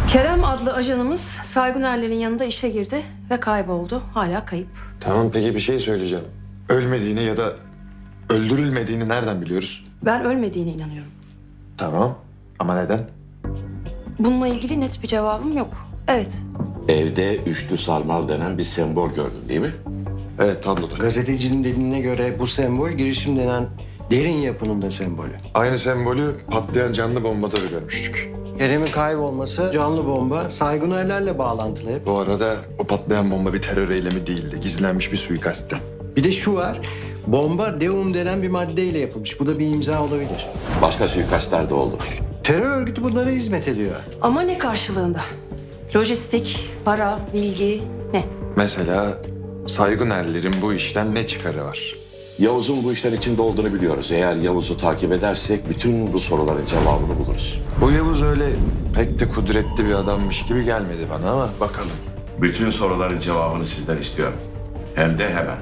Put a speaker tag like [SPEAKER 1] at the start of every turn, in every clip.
[SPEAKER 1] Kerem adlı ajanımız Saygunerlerin yanında işe girdi ve kayboldu. Hala kayıp.
[SPEAKER 2] Tamam, peki bir şey söyleyeceğim. Ölmediğini ya da öldürülmediğini nereden biliyoruz?
[SPEAKER 1] Ben ölmediğine inanıyorum.
[SPEAKER 2] Tamam, ama neden?
[SPEAKER 1] Bununla ilgili net bir cevabım yok. Evet.
[SPEAKER 3] Evde üçlü sarmal denen bir sembol gördün değil mi?
[SPEAKER 2] Evet, tabloda.
[SPEAKER 4] Gazetecinin dediğine göre bu sembol girişim denen derin yapının da sembolü.
[SPEAKER 2] Aynı sembolü patlayan canlı bombada da görmüştük.
[SPEAKER 4] Kerem'in kaybolması canlı bomba Saygunerlerle bağlantılı hep.
[SPEAKER 2] Bu arada o patlayan bomba bir terör eylemi değildi. Gizlenmiş bir suikasttı.
[SPEAKER 4] Bir de şu var, bomba deum denen bir maddeyle yapılmış. Bu da bir imza olabilir.
[SPEAKER 3] Başka suikastler de oldu.
[SPEAKER 4] Terör örgütü bunlara hizmet ediyor.
[SPEAKER 1] Ama ne karşılığında? Lojistik, para, bilgi, ne?
[SPEAKER 2] Mesela Saygunerlerin bu işten ne çıkarı var?
[SPEAKER 3] Yavuz'un bu işler içinde olduğunu biliyoruz. Eğer Yavuz'u takip edersek bütün bu soruların cevabını buluruz.
[SPEAKER 2] Bu Yavuz öyle pek de kudretli bir adammış gibi gelmedi bana ama bakalım.
[SPEAKER 3] Bütün soruların cevabını sizden istiyorum. Hem de hemen.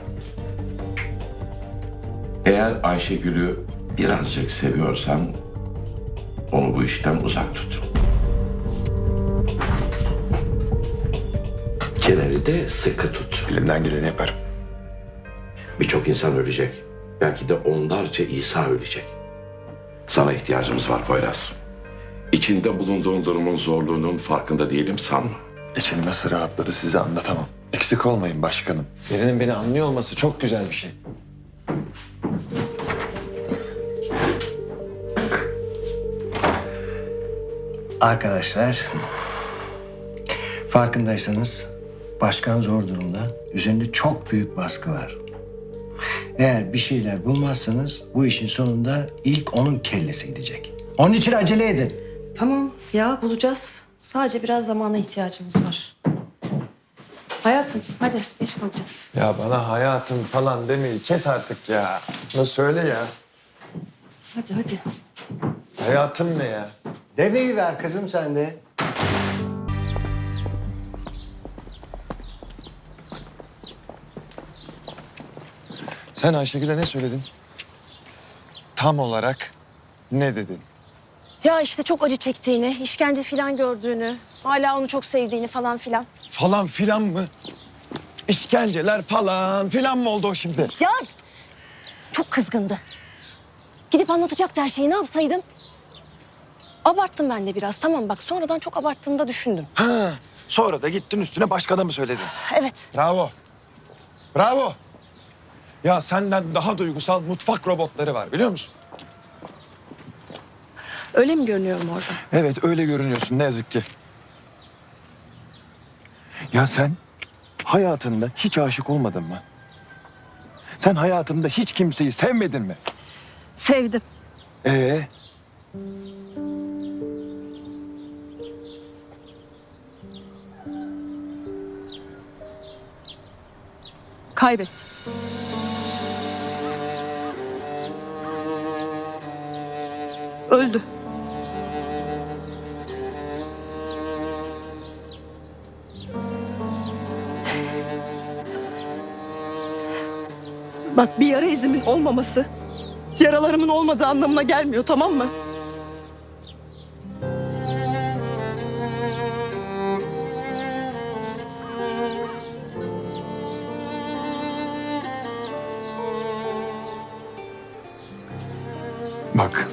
[SPEAKER 3] Eğer Ayşegül'ü birazcık seviyorsan onu bu işten uzak tut. Çeneni de sıkı tut.
[SPEAKER 2] Elimden geleni yaparım.
[SPEAKER 3] Birçok insan ölecek. Belki de onlarca İsa ölecek. Sana ihtiyacımız var Poyraz. İçinde bulunduğun durumun zorluğunun farkında değilim sanma.
[SPEAKER 2] İçim nasıl rahatladı size anlatamam. Eksik olmayın başkanım. Birinin beni anlıyor olması çok güzel bir şey.
[SPEAKER 4] Arkadaşlar, farkındaysanız başkan zor durumda. Üzerinde çok büyük baskı var. Eğer bir şeyler bulmazsanız bu işin sonunda ilk onun kellesi gidecek. Onun için acele edin.
[SPEAKER 1] Tamam ya, bulacağız. Sadece biraz zamana ihtiyacımız var. Hayatım hadi, geç kalacağız.
[SPEAKER 2] Ya bana hayatım falan demeyi kes artık ya. Ne söyle ya.
[SPEAKER 1] Hadi hadi.
[SPEAKER 2] Hayatım ne ya?
[SPEAKER 4] Devreyi ver kızım sen de.
[SPEAKER 2] Sen Ayşegül'e ne söyledin? Tam olarak ne dedin?
[SPEAKER 1] Ya işte çok acı çektiğini, işkence falan gördüğünü, hala onu çok sevdiğini falan filan.
[SPEAKER 2] Falan filan mı? İşkenceler falan filan mı oldu o şimdi?
[SPEAKER 1] Ya çok kızgındı. Gidip anlatacaktı her şeyi, ne yapsaydım? Abarttım ben de biraz, tamam bak, sonradan çok abarttığımda düşündüm.
[SPEAKER 2] Ha, sonra da gittin üstüne başka da mı söyledin?
[SPEAKER 1] Evet.
[SPEAKER 2] Bravo. Bravo. Ya senden daha duygusal mutfak robotları var biliyor musun?
[SPEAKER 1] Öyle mi görünüyorum orada?
[SPEAKER 2] Evet öyle görünüyorsun ne yazık ki. Ya sen hayatında hiç aşık olmadın mı? Sen hayatında hiç kimseyi sevmedin mi?
[SPEAKER 1] Sevdim.
[SPEAKER 2] Ee?
[SPEAKER 1] Kaybettim. Öldü.
[SPEAKER 5] Bak, bir yara izimin olmaması yaralarımın olmadığı anlamına gelmiyor, tamam mı?
[SPEAKER 2] Bak.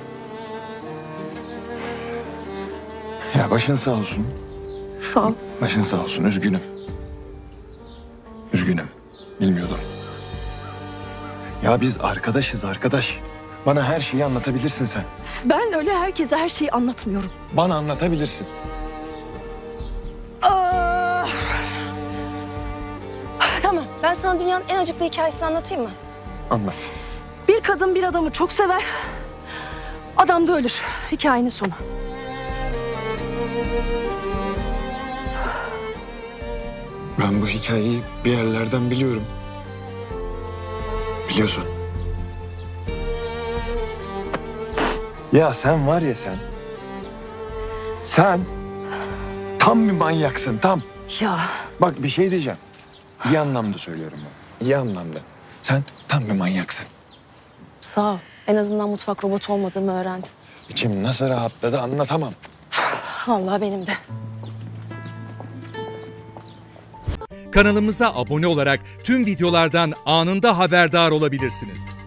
[SPEAKER 2] Ya başın sağ olsun.
[SPEAKER 5] Sağ ol.
[SPEAKER 2] Başın sağ olsun. Üzgünüm. Üzgünüm. Bilmiyordum. Ya biz arkadaşız arkadaş. Bana her şeyi anlatabilirsin sen.
[SPEAKER 5] Ben öyle herkese her şeyi anlatmıyorum.
[SPEAKER 2] Bana anlatabilirsin.
[SPEAKER 1] Ah! Tamam, ben sana dünyanın en acıklı hikayesini anlatayım mı?
[SPEAKER 2] Anlat.
[SPEAKER 5] Bir kadın bir adamı çok sever. Adam da ölür. Hikayenin sonu.
[SPEAKER 2] Ben bu hikayeyi bir yerlerden biliyorum. Biliyorsun. Ya sen var ya sen. Sen tam bir manyaksın tam.
[SPEAKER 5] Ya
[SPEAKER 2] Bak bir şey diyeceğim. İyi anlamda söylüyorum ben. İyi anlamda. Sen tam bir manyaksın.
[SPEAKER 1] Sağ ol. En azından mutfak robotu olmadığımı öğrendin.
[SPEAKER 2] İçim nasıl rahatladı anlatamam.
[SPEAKER 1] Vallahi benim de.
[SPEAKER 6] Kanalımıza abone olarak tüm videolardan anında haberdar olabilirsiniz.